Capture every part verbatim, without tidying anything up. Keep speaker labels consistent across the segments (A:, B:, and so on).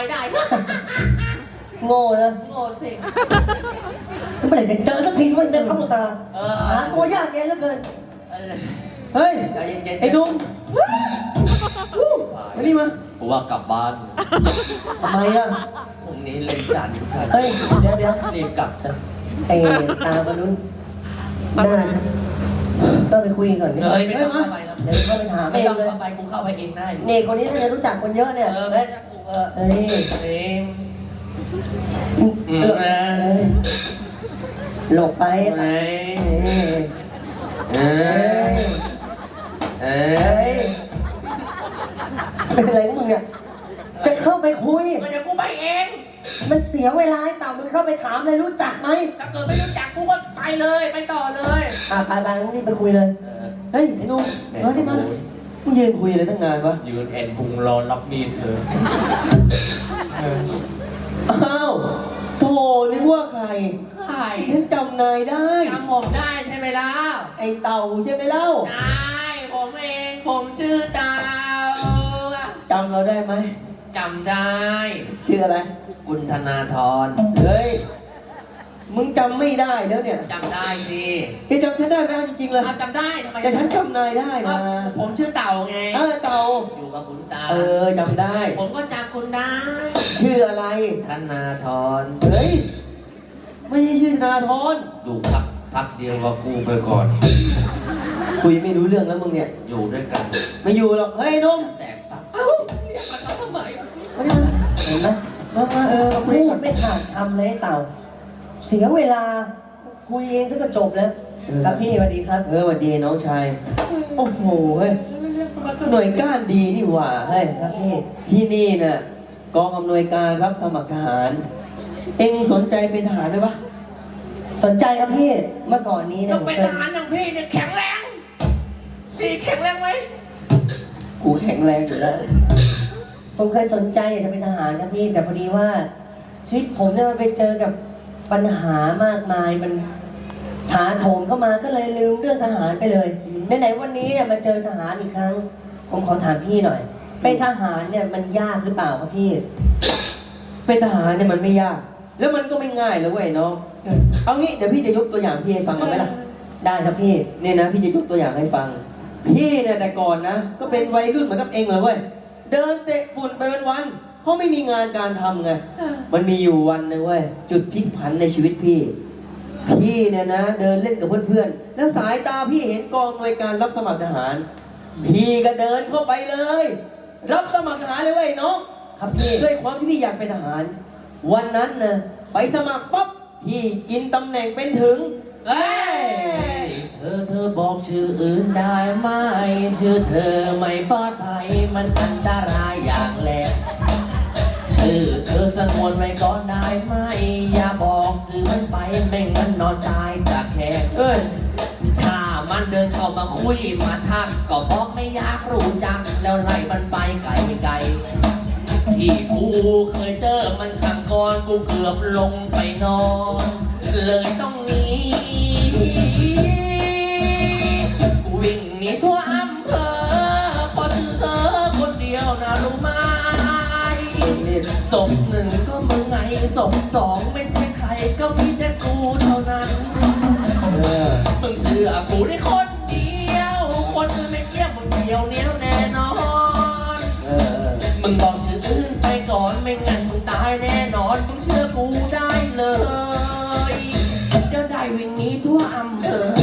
A: ได้
B: โง่นะ
A: โง่สิ
B: เมื่อไหร่จะเจอสักทีว่าเป็นข้าวตา
A: เออ
B: หาตัวยากแยะเหลือเกิน
A: เออ
B: เฮ้ย
A: ใจเย็นๆ
B: ไอ้ดุงมานี่มา
A: กูว่ากลับบ้าน
B: ทำไมอ่ะ
A: พรุ่งนี้เล่นจันทร์ทุกท่าน
B: เฮ้ยเดี๋ยวเดี๋ยว
A: รีบกลับซะ
B: ไอ้ตาบรรลุนหน้าต้องไปคุยก่อน
A: เฮ้ยไม่ต้องเข้าไปแล้ว
B: เดี๋ยวเข้าไปถาม
A: ไม่
B: เอง
A: ต้อง
B: เลย
A: เข้าไปกูเข้าไปเองได้
B: นี่คนนี้น่าจะรู้จักคนเยอะเนี่ย
A: เออ
B: เฮ้
A: ไม่
B: ย
A: ใช่กูเออ
B: เฮ้ย
A: เอ้ย
B: อืม
A: อืม
B: เอ้ยหลบไป
A: เอ้ยเอ้
B: เอ้
A: ย
B: ย
A: เอ้
B: เฮ้
A: ย
B: ยเป็นอะไรของมึงเนี่ย จะเข้าไปคุย
A: ก็เดี๋ยวกูไปเอง
B: มันเสียเวลาไอ้ต่ามึงเข้าไปถามเลยรู้จักไหม
A: ถ้าเกิดไม่รู้จักกูก็ไปเลย ไปต่อเลย
B: อ่ะไปไปงั้นนี่ไปคุยเลย
A: เออ
B: เฮ้ยไอ้หนุ่มมาที่มามึงยืนคุยอะไรตั้งนานวะ
A: ยืนแอนพุงรอรับมีดเลย
B: อ้าวโธ่นึกว่าใคร
A: ใช่
B: ฉันจำนายได้
A: จำผมได้ใช่ไหมล่ะ
B: ไอ้เต่าใช่ไหมเล่า
A: ใช่ ผมเอง ผมชื่อดาว
B: จำเราได้ไหม
A: จำได้
B: ชื่ออะไร
A: กุณธนาธร
B: เฮ้ย มึงจำไม่ได้แล้วเนี่ย
A: จำได้สิ
B: แกจำฉันได้ไหมเอาจริงๆเลย
A: อ้าวจำได้ทำไม
B: แต่ฉันจำนายได้นะ
A: อ้าวผมชื่อเต่าไง
B: เออเต่า
A: อยู่กับคุณตา
B: เออจำได้
A: ผมก็จำคุณได้
B: ชื่ออะไร
A: ธนาธร
B: เฮ้ย ไม่ใช่ชื่อธนาธร
A: อยู่พักพักเดียวกับกูไปก่อน
B: คุยไม่รู้เรื่องแล้วมึงเนี่ย
A: อยู่ด้วยกัน
B: ไม่อยู่หรอก เฮ้ยนุ่ม
A: แตกปะเอ้าเรียกมาทำไม
B: มาดิมาเห็นไหมมามาเออมาพูดไม่ขาดคำเลยไอ้เต่า เสียเวลา คุยเองก็จบแล้ว ครับพี่สวัสดีครับ เออสวัสดีน้องชาย โอ้โห เฮ้ย หน่วยก้านดีนี่หว่า เฮ้ย ครับพี่ ที่นี่น่ะกองอำนวยการรับสมัครทหาร เอ็งสนใจเป็นทหารไหมปะสนใจครับพี่ เมื่อก่อนนี้
A: ต้
B: เนี่
A: อย งเป็นทหารอย่างพี่เนี่ยแข็งแรงสีแข็งแรงไหม
B: กูแข็งแรงอยู่แล้ว ผมเคยสนใจอยากจะเป็นทหารครับพี่ แต่พอดีว่าชีวิตผมเนี่ยมันไปเจอกับปัญหามากมาย มันถาโถมเข้ามาก็เลยลืมเรื่องทหารไปเลยไหนๆวันนี้เนี่ยมาเจอทหารอีกครั้ง ผมขอถามพี่หน่อย เป็นทหารเนี่ยมันยากหรือเปล่าครับพี่ เป็นทหารเนี่ยมันไม่ยาก แล้วมันก็ไม่ง่ายเลยเว้ยน้อง เอางี้เดี๋ยวพี่จะยกตัวอย่างพี่ให้ฟังกันไหมล่ะ ได้ครับพี่เนี่ยนะพี่จะยกตัวอย่างให้ฟัง พี่เนี่ยแต่ก่อนนะ ก็เป็นวัยรุ่นเหมือนกับเองเลยเว้ย เดินเตะฝุ่นไปวันๆเพราะไม่มีงานการทำไง มันมีอยู่วันหนึงเว้ยจุดพลิกผันในชีวิตพี่ พี่เนี่ยนะ เดินเล่นกับเพื่อนๆ แล้วสายตาพี่เห็นกองหน่วยการรับสมัครทหาร พี่ก็เดินเข้าไปเลย รับสมัครทหารเลยเว้ยน้องครับพี่ด้วยความที่พี่อยากเป็นทหาร วันนั้นนะไปสมัครปั๊บพี่กินตำแหน่งเป็นถึง
A: เฮ้ยเธอเธอบอกชื่ออื่นได้ไหมชื่อเธอไม่ปลอดภัยมันอันตรายอย่างแรงชื่อเธอสงวนไว้ก่อนได้ไหมอย่าบอกสื่อมันไปไม่งั้นนอนตายจากแขก
B: เอ้ย
A: ถ้ามันเดินเข้ามาคุยมาทักก็บอกไม่อยากรู้จักแล้วไล่มันไปไกลไกลที่กูเคยเจอมันครั้งก่อนกูเกือบลงไปนอน เลยต้องหนีกูวิ่งหนีทั่วอำเภอเพอชื่อเธอคนเดียวนะรู้ไหมศพหนึ่งก็มึงไงศพสองไม่ใช่ใครก็มีแต่กูเท่านั้น มึงเชื่อกูได้คนเดียว คนอื่นไม่เกี่ยวมึงเดียวเนี้ยวแน่นอน มึงบอกชื่ออื่นไปก่อนไม่งั้นมึงตายแน่นอน มึงเชื่อกูได้เลยเดี๋ยวได้วิ่งหนีทั่วอำเภอ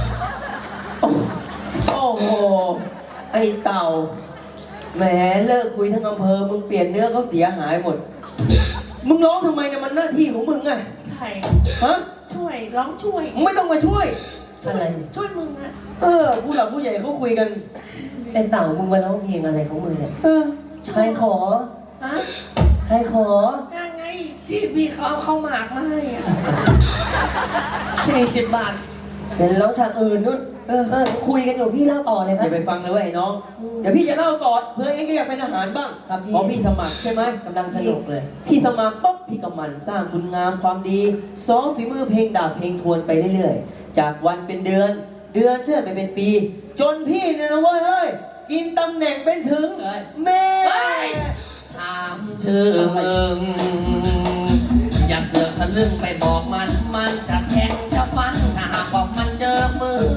B: โอ้โห ไอ้เต่า แหมเลิกคุยทั้งอำเภอ มึงเปลี่ยนเนื้อเขาเสียหายหมด มึงร้องทำไมเนี่ยมันหน้าที่ของมึงไง
A: ใช่
B: ฮะ
A: ช่วยร้องช่วย
B: มึงไม่ต้องมาช่วย
A: อะไร ช่วยมึงนะ
B: เออ ผู้หลักผู้ใหญ่เขาคุยกัน ไอ้เต่ามึงมาร้องเพลงอะไรของมึงเนี่ย เออ ใครขอ
A: ฮะ
B: ใครขอ
A: ยังไงพี่พี่เขาเอาเข้าหมากมาให้อ่ะสี่สิบบาท
B: เป็นร้องฉากอื่นนู่นเออเออคุยกันอยู่พี่เล่าต่อเลยครับอย่าไปฟังเลยเว้ยน้อง เดี๋ยวพี่จะเล่าต่อเพื่อเองก็อยากเป็นทหารบ้างครับพี่เพราะพี่สมัครใช่ไหมกำลังสนุกเลย พี่สมัครปุ๊บพี่ก็หมันสร้างคุณงามความดีซ้อมฝีมือเพลงดาบเพลงทวนไปเรื่อยๆ จากวันเป็นเดือน เดือนเรื่อยไปเป็นปี จนพี่เนี่ยนะเว้ยเฮ้ยกินตำแหน่งเป็นถึง
A: เฮ้ย
B: แม่
A: เฮ้ยถามชื่อมึงอย่าเสือกทะลึ่งไปบอกมันมันจะแทงจะฟันถ้าหากว่ามันเจอมือ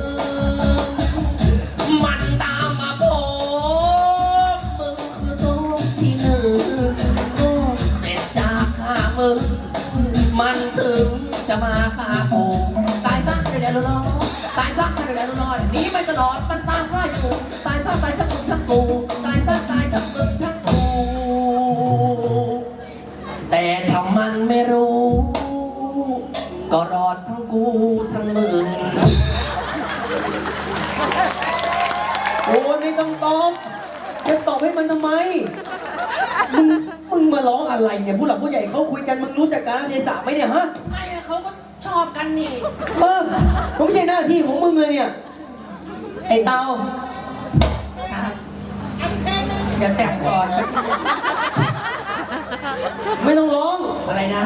A: มันตามมาโผล่มึงคือโซ่ที่หนึ่งเสร็จจากฆ่ามึงมันถึงจะมาฆ่ากูตายซะเดี๋ยวเดี๋ยวรอตายซะเดี๋ยวเดี๋ยวรอหนีไปตลอดมันตามฆ่าอยู่ตายซะตายทั้งมึงทั้งกูตายซะตายทั้งมึงทั้งกูแต่ถ้ามันไม่รู้ก็รอดทั้งกูทั้งมึง
B: โอ้ยไม่ต้องตอบจะตอบให้มันทำไม มึง มึงมาร้องอะไรเนี่ยผู้หลักผู้ใหญ่เขาคุยกันมึงรู้จักการเทศะไหมเนี่ยฮะ
A: ไม่นะเขาก็ชอบกันนี่
B: เออผมไม่ใช่หน้าที่ของมึงเลยเนี่ย ไอ้เตาอย่าแต่งก่อน ไม่ต้องร้อง
A: อะไรนะ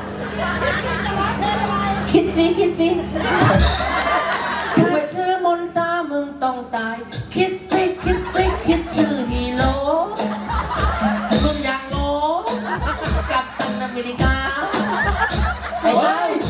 A: คิดสิคิดสิถ้าชื่อมนตามึงต้องตาย คิดสิคิดสิคิดชื่อฮีโร่มึงอย่างโง่กับตันอเมริกา
B: ไอ้เฮ้ย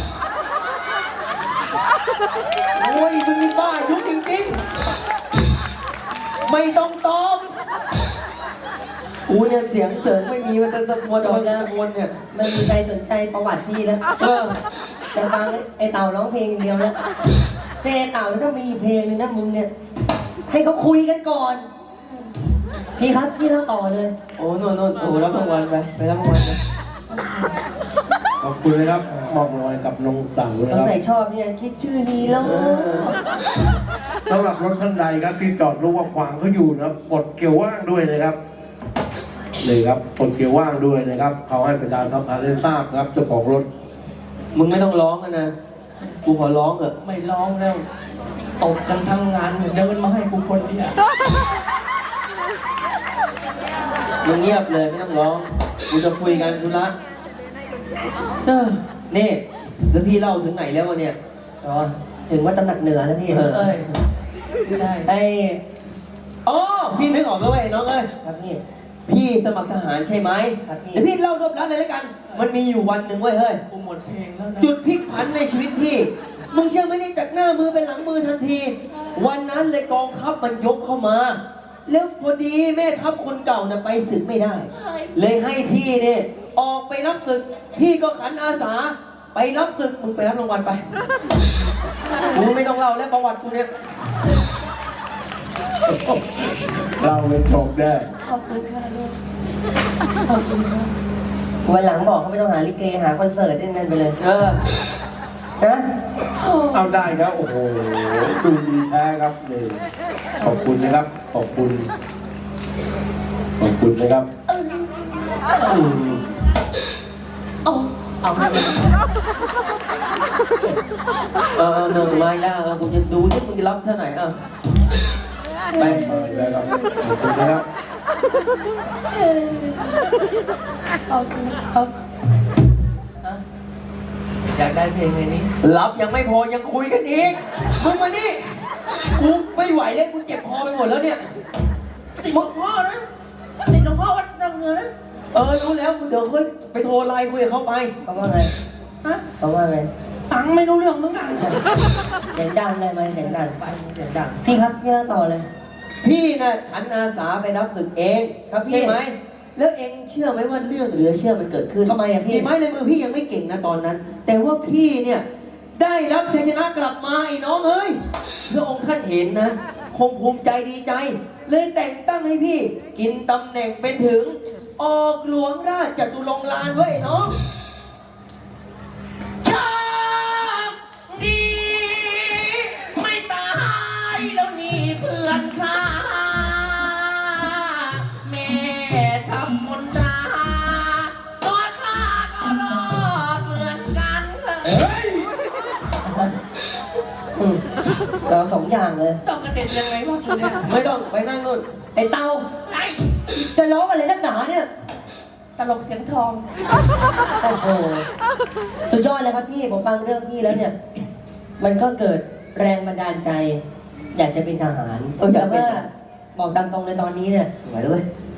B: โอ้ยมึงนี่บ้าอายุจริงๆ ไม่ต้องตอบกูเนี่ยเสียงเสริมไม่มีมันจะตะมวนตะมวนตะมวนเนี่ย
C: ไม่มีใครสนใจประวัติพี่แล้ว
B: เออ
C: แต่ฟังไอ้เต่าร้องเพลงอย่างเดียวแล้วเพลงไอ้เต่าถ้ามีเพลงหนึงนะมึงเนี่ย ให้เขาคุยกันก่อน พี่ครับพี่เล่าต่อเลย
B: โอ้โน่นโน่นโอ้รับรางวัลไป ไปรับรางวัลไป
D: ขอบคุณนะครับมอบรางวัลกับน้องเต่านะ
C: สง
D: ครับ
C: สัยชอบเนี่ยคิดชื่อฮีโร่
D: สำหรับรถท่านใดครับที่จอดรู้ว่าขวางเขาอยู่นะครับปลดเกียร์ว่างด้วยนะครับเลยครับปลดเกียร์ว่างด้วยนะครับเขาให้ประชาสัมพันธ์ได้ทราบครับเจ้าของรถ
B: มึงไม่ต้องร้องนะนะ กูขอร้องเถอะ
A: ไม่ร้องแล้วตกกันทั้งงานเดินมาให้กูคนเดียว
B: มึงเงียบเลยไม่ต้องร้อง กูจะคุยกันธุระเออนี่แล้วพี่เล่าถึงไหนแล้ววะเนี่ย
C: อ๋อถึงว่าตำหนักเหนือแล้วพี่
B: เออ
A: เอ้ยไม่ใช่
C: ไอ้
B: อ๋อ พี่นึกออกแล้วเว้ยน้องเอ้ย
C: ครับพี่
B: พี่สมัครทหารใช่ไหม
C: ครับพี่
B: เดี๋ยวพี่เล่ารวบรัดเลยแล้วกัน มันมีอยู่วันหนึ่งเว้ยเฮ้ย
A: กูหมดเพลงแล้วนะ
B: จุดพลิกผันในชีวิตพี่ มึงเชื่อไหมนี่จากหน้ามือเป็นหลังมือทันที วันนั้นเลยกองทัพมันยกเข้ามา แล้วพอดีแม่ทัพคนเก่าน่ะไปศึกไม่ได้ เลยให้พี่เนี่ยออกไปรับศึก พี่ก็ขันอาสา ไปรับศึก มึงไปรับรางวัลไปกูไม่ต้องเล่าแล้วประวัติกูเนี่ย
D: เราเป็นชมได้
A: ขอบคุณค่ะลูกขอบคุณค่ะ
C: วันหลังบอกเขาไม่ต้องหาลิเกหาคอนเสิร์ตนั่นๆไปเลย
B: เออ
C: นะ
D: เอาได้ครับโอ้โหดูดีแท้ครับนี่ขอบคุณนะครับ ขอบคุณ ขอบคุณนะครับอืม
A: เอาเอาให้มัน
B: เออหนึ่งไม้แล้วเออกูจะดูที่มึงจะรับเท่าไหร่อ่ะไป
D: มาอีกแล้วครับขอบคุณนะครับ
A: เอาเอาฮะอยากได้เพลงไงนี้
B: รับยังไม่พอยังคุยกันอีก มึงมานี่ กูไม่ไหวแล้วกูเจ็บคอไปหมดแล้วเนี่ย
A: สิหลวงพ่อนะสิหลวงพ่อวัดดังเงินนะ
B: เออรู้แล้วกูเดี๋ยวเฮ้ยไปโทรไลน์คุยกับเขาไป
C: เขาว่าไง
A: ฮะ
C: เขาว่าไง
A: ตังค์ไม่รู้เรื่องเหมือนกัน
C: เสียงดังได้ไหมเสียงดัง
A: ไปเสียงดัง
C: พี่ครับพี่เล่าต่อเลย
B: พี่น่ะขันอาสาไปรับศึกเอง
C: ครับพี่
B: ใช่ไหม แล้วเองเชื่อไหมว่าเรื่องเหลือเชื่อมันเกิดขึ้น
C: ทำไมอะพี่
B: ไม้ในมือพี่ยังไม่เก่งนะตอนนั้น แต่ว่าพี่เนี่ยได้รับชัยชนะกลับมาไอ้น้องเอ้ยพระองค์ท่านเห็นนะ คงภูมิใจดีใจ เลยแต่งตั้งให้พี่ กินตำแหน่งเป็นถึง ออกหลวงราชจตุรงค์ลานเว้ยน้อง
A: ชอบดีไม่ตายแล้วนี่เพื่อนข้าแม่ทำมนตราตัวข้าก็รอดเหมือนกัน
D: เฮ้ย
C: อืมเราสองอย่างเลย
A: ต้องกระเด็นยังไงวะคุณเนี่ย
B: ไม่ต้องไปนั่งนู่น
C: ไอ้เต่า
A: ไอ้
C: จะร้องอะไรนักหนาเนี่ย
A: ตลกเสียงทอง
C: โอ้โห สุดยอดเลยครับพี่ผมฟังเรื่องพี่แล้วเนี่ย มันก็เกิดแรงบันดาลใจ อยากจะเป็นทหาร
B: เอออยา
C: แต่
B: กเป็น
C: ว่าบอกตามตรงเลยตอนนี้เนี่ย
B: ไหวเลย
C: ท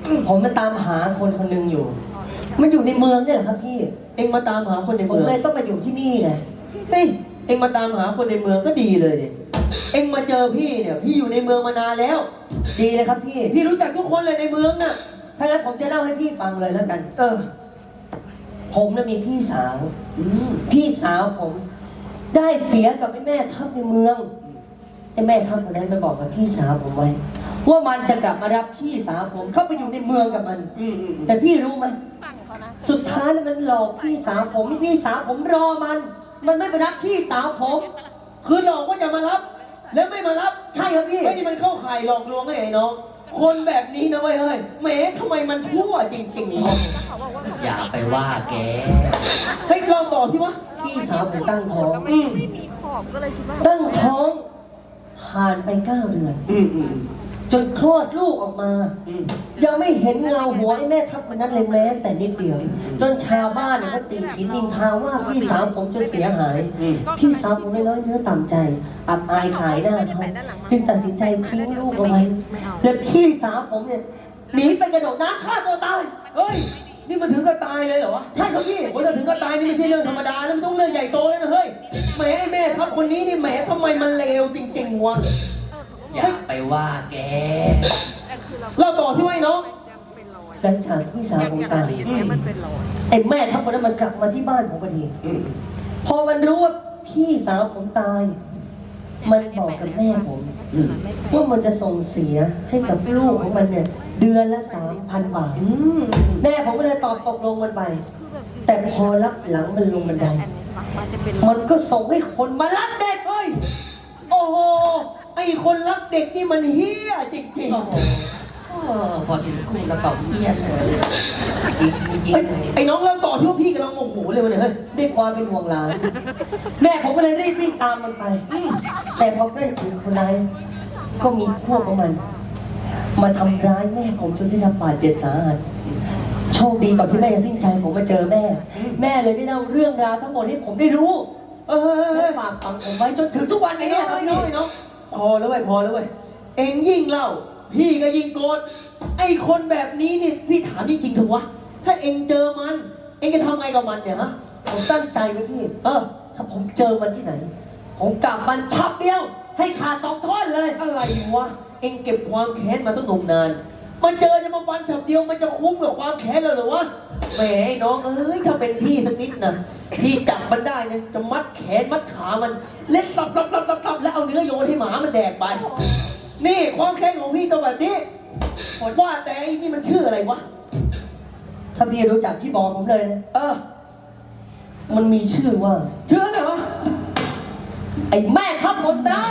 B: ผมมาตามหาคนคนหนึ่งอยู่ มันอยู่ในเมืองเนี่ยแหละครับพี่
C: เองมาตามหาคนใน
B: ผม
C: เมือง
B: เลยต้องมาอยู่ที่นี่ไง
C: เฮ้ยเองมาตามหาคนในเมืองก็ดีเลยดิเองมาเจอพี่เนี่ยพี่อยู่ในเมืองมานานแล้ว
B: ดีเลยครับพี่
C: พี่รู้จักทุกคนเลยในเมืองน่ะ
B: ถ้างั้นผมจะเล่าให้พี่ฟังเลยแล้วกัน
C: เออ
B: ผมน่ะมีพี่สาว
C: อืม
B: พี่สาวผม ได้เสียกับไอ้แม่ทัพในเมืองไอ้แม่ทัพคนนั้นมันบอกกับพี่สาวผมไว้ ว่ามันจะกลับมารับพี่สาวผมเข้าไปอยู่ในเมืองกับมัน
C: อืมอืม
B: แต่พี่รู้ไหมสุดท้ายแล้วมันหลอกพี่สาวผมพี่สาวผมรอมัน มันไม่ไปรับพี่สาวผม
C: คือหลอกว่าจะมารับ แล้วไม่มารับ
B: ใช่ครับพี่
C: ไม่นี่มันเข้าข่ายหลอกลวงไอ้น้องคนแบบนี้นะเว้ยเฮ้ยแหมทำไมมันชั่วจริงๆวะ
A: อย่าไปว่าแก
C: เฮ้ยลองบอกสิวะ
B: พี่สาวผมตั้งท้อง
C: อืม
B: ตั้งท้องผ่านไปเก้าเดือน
C: อืมอืม
B: จนคลอดลูกออกมา
C: อืม
B: ยังไม่เห็นเงาหัวไอ้แม่ทัพคนนั้นเลยแม้แต่นิดเดียว จนชาวบ้านเนี่ยก็ตีฉินนินทาว่าพี่สาวผมจะเสียหาย
C: อืม
B: พี่สาวผมไม่น้อยเนื้อต่ำใจ อับอายขายหน้าเขาจึงตัดสินใจทิ้งลูกเอาไว้ และพี่สาวผมเนี่ยหนีไปกระโดดน้ำฆ่าตัวตาย
C: เฮ้ยนี่มันถึงกับตายเลยเหรอวะ
B: ใช่ครับพี่
C: โอ้ยถ้าถึงกับตายนี่ไม่ใช่เรื่องธรรมดาแล้วมันต้องเรื่องใหญ่โตเลยนะเฮ้ยแหมไอ้แม่ทัพคนนี้นี่แหมทำไมมันเลวจริงๆวะ
A: อย่าไปว่าแก
C: เราต่อที่ไว้น้อง
B: หลังจากที่พี่สาวผมตายไอ้แม่ทัพคนนั้นมันกลับมาที่บ้านผมพอดี
C: อืม
B: พอมันรู้ว่าพี่สาวผมตาย มันบอกกับแม่ผม
C: อืม
B: ว่ามันจะส่งเสียให้กับลูกของมันเนี่ย เดือนละสามพันบาท
C: อืม
B: แม่ผมก็เลยตอบตกลงมันไป แต่พอรับหลังมันลงบันได มันก็ส่งให้คนมารับเด็ก
C: เฮ้ยโอ้โหไอ้คนรักเด็กนี่มันเฮี้ยจริง
A: โอ้โห
C: ๆ
A: เออพอถึงคุณกระเป๋าเพี้ยนเลยจริงจริง
C: เฮ้ยไอ้น้องเล่าต่อที่ว่าพี่กำลังโมโหเลยวะเนี่ยเฮ้ย
B: ด้วยความเป็นห่วงหลาน แม่ผมก็เลยรีบวิ่งตามมันไป แต่พอใกล้ถึงคนร้ายก็มีพวกของมัน มาทำร้ายแม่ผมจนได้รับบาดเจ็บสาหัส โชคดีก่อนที่แม่จะสิ้นใจผมมาเจอแม่ แม่เลยได้เล่าเรื่องราวทั้งหมดให้ผมได้รู้
C: เออ
B: และฝากฝังผมไว้จนถึงทุกวัน
C: ไอ้
B: นี้
C: น้อง
B: ครั
C: ไอ้
B: บ
C: น้อง
B: พี่
C: ไอ้น้องพอแล้วเว้ยพอแล้วเว้ยเอ็งยิ่งเล่า พี่ก็ยิ่งโกรธไอ้คนแบบนี้นี่พี่ถามจริงๆเถอะวะถ้าเอ็งเจอมัน เอ็งจะทำไงกับมันเนี่ยฮะ
B: ผมตั้งใจไว้พี่
C: เออ
B: ถ้าผมเจอมันที่ไหน ผมกลับมันชับเดียว ให้ขาดสองท่อนเลย
C: อะไรวะเอ็งเก็บความแค้นมาตั้งนมนาน มันเจอจะมาฟันฉับเดียวมันจะคุ้มกับความแค้นเลยเหรอวะแหมไอ้น้องเอ้ยถ้าเป็นพี่สักนิดนะพี่จับมันได้เนี่ยจะมัดแขนมัดขามันเล่นตับตับตับตับตับแล้วเอาเนื้อโยนให้หมามันแดกไป นี่ความแค้นของพี่ตัวแบบนี้ว่าแต่ไอ้นี่มันชื่ออะไรวะ
B: ถ้าพี่รู้จักพี่บอกผมเลยนะ
C: เออ
B: มันมีชื่อว่า
C: ชื่ออะไรวะ
B: ไอ้แม่ทัพมนตรา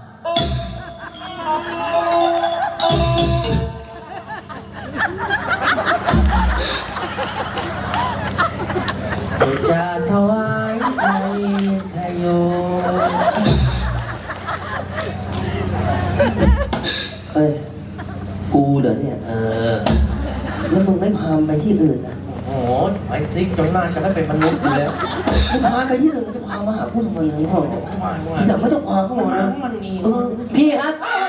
A: จะถวายใจชัยโย
B: เอ้ย กูเหรอเนี่ย
A: เออ
B: แล้วมึงไม่พาไปที่อื่นนะ
A: โอ้โหไปซิกจนหน้าจะได้เป็นมนุษย์อยู่แล้ว
B: ไม่พาไปที่อื่นมึงจะพามาหากูทำไมอย่างนี้พ่อ
A: ว่าว่า
B: แต่ไม่ต้องพาเข้ามานะ
A: มันนี่
B: เออพี่ครับ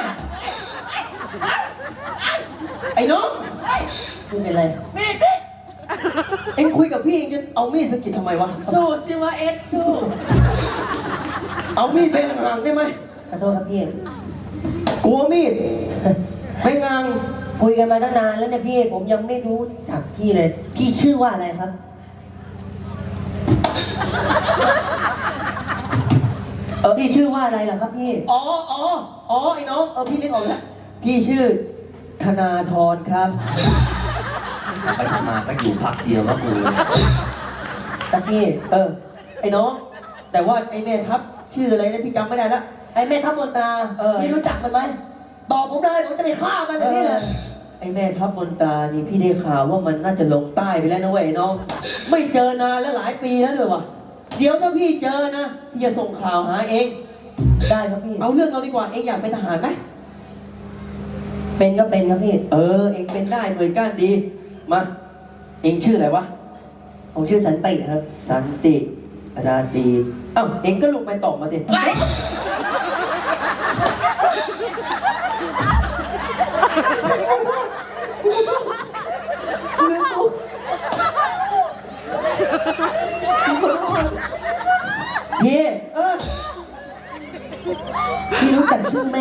C: ไอ้น้อง
B: ไม่เป็นไร
C: เอ็งคุยกับพี่เอ็งจะเอามีดสะกิดทำไมวะ
A: สู้สิวะเอ็ดสู้
C: เอามีดไปห่างๆได้ไหม
B: ขอโทษครับพี่
C: กลัวมีดไปงาง
B: คุยกันมาตั้งนานแล้วเนี่ยพี่ ผมยังไม่รู้จักพี่เลย พี่ชื่อว่าอะไรครับ เออพี่ชื่อว่าอะไรล่ะครับพี่
C: อ๋ออ๋ออ๋อไอ้น้องเออพี่นึกออกแล้วพี่ชื่อธนาธรครับ
A: ไปทำมาก็อยู่พักเดียวก็กู
B: ตะกี้
C: เออ ไอ้น้อง แต่ว่าไอ้แม่ทัพชื่ออะไรนะพี่จำไม่ได้ละ
B: ไอ้แม่ทัพมนตรา
C: เออ
B: พี่รู้จักมันไหม บอกผมเลยผมจะไปฆ่ามัน
C: เอ
B: เลยพี่
C: อ
B: เลย
C: ไอ้แม่ทัพมนตรานี่พี่ได้ข่าวว่ามันน่าจะลงใต้ไปแล้วนะเว้ยไอ้น้อง ไม่เจอนานแล้วหลายปีแล้วเลยวะเดี๋ยวถ้าพี่เจอนะพี่จะส่งข่าวหาเอง
B: ได้ครับพี่
C: เอาเรื่องเราดีกว่าเองอยากเป็นทหารไหม
B: เป็นก็เป็นครับพี่
C: เออ เองเป็นได้หน่วยก้านดี มา เองชื่ออะไรวะ
B: ผมชื่อสันติครับ
C: สันติราตรีเอ้าเองก็ลงไปตอบมาดิ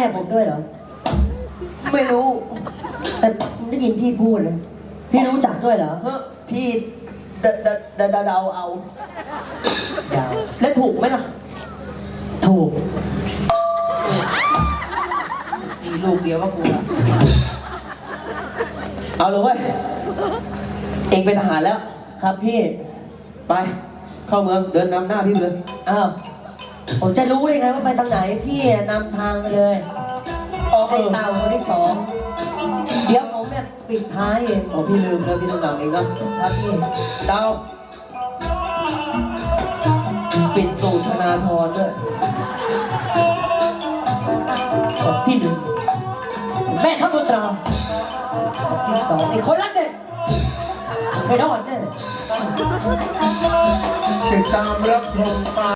B: ผมด้วยเหรอ
C: ไม่รู้
B: แต่ผมได้ยินพี่พูดนะพี่รู้จักด้วยเหรอ
C: เฮ้อพี่เดาเดาเดาเดาเดาเอา
B: ยาว
C: และถูกไหมล่ะ
B: ถูก
A: ตีลูกเดียวก็กูละ
C: เอาเลยเว้ย เองเป็นทหารแล้ว
B: ครับพี่
C: ไป เข้าเมืองเดินนำหน้าพี่ไปเลย
B: อ้าวผมจะรู้ได้ไงว่าไปทางไหนพี่นำทางไปเลย
C: อ๋อเอ
B: ไอ้
C: อ
B: เต่าคนที่สองเดี๋ยวผมเนี่ยปิดท้ายเอง
C: อ๋อพี่ลืมแล้วพี่ต้องนำเองนะครับ
B: พี่
C: ดาวปิดตูดธนาธรด้วย
B: ศพที่หนึ่งแม่ทัพมนตราศพที่สองไอ้คนรักเด็กไม่รอดแน่
D: ติดตามรับชม